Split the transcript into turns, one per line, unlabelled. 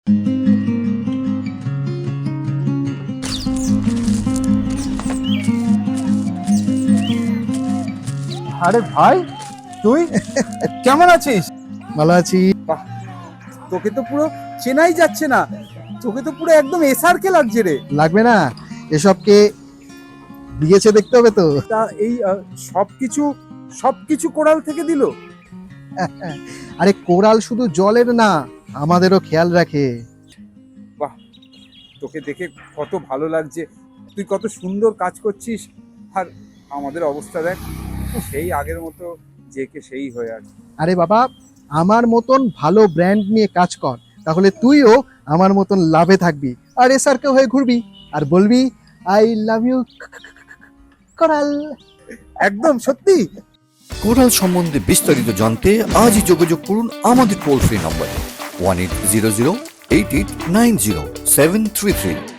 আরে ভাই, তুই কেমন আছিস?
ভালো আছি।
বাহ, তোকে তো পুরো চেনাই যাচ্ছে না। তোকে তো পুরো একদম এসআরকে লাগছে রে।
লাগবে না, এসবকে দিয়েছে দেখতে হবে তো।
তা এই সবকিছু সবকিছু কোরাল থেকে দিল?
আরে কোরাল শুধু জলের না, আমাদেরও খেয়াল রাখে।
বাহ, তোকে দেখে কত ভালো লাগছে। তুই কত সুন্দর কাজ করছিস। আর আমাদের অবস্থা দেখ, সেই আগের মতো যে কে সেই হয়ে আছে।
আরে বাবা, আমার মতন ভালো ব্র্যান্ড নিয়ে কাজ কর, তাহলে তুইও আমার মতন লাভে থাকবি আর এসআরকে হয়ে ঘুরবি আর বলবি আই লাভ ইউ কোরাল।
একদম সত্যি।
কোরাল সম্বন্ধে বিস্তারিত জানতে আজই যোগাযোগ করুন আমাদের টোল ফ্রি নম্বরে 1800 8890 733।